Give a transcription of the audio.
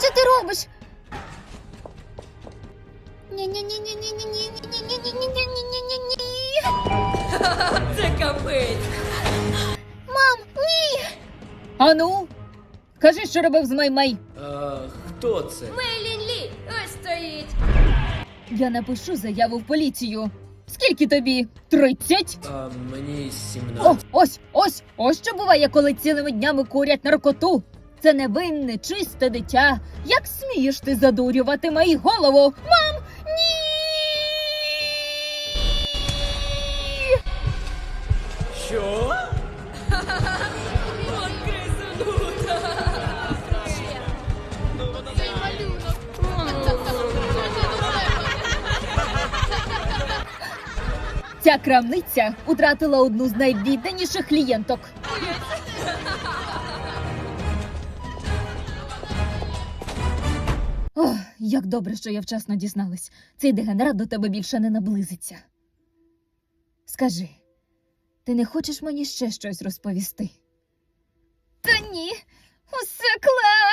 Що ти робиш? Ні-ні-ні-ні-ні-ні-ні-ні-ні-ні-ні-ні-ні-ні-ні-ні. Це капець. Мам, ні! Ану, кажи, що робив з Мей-Мей. Хто це? Мейлін Лі, ось стоїть. Я напишу заяву в поліцію. Скільки тобі? 30? Мені О, 17. ось що буває, коли цілими днями курять наркоту. Це невинне, чисте дитя. Як смієш ти задурювати мою голову? Мам, ні! Що? Вон крисунута. Ця крамниця втратила одну з найвідданіших клієнток. Ох, як добре, що я вчасно дізналась. Цей дегенерат до тебе більше не наблизиться. Скажи, ти не хочеш мені ще щось розповісти? Та ні, усе клас!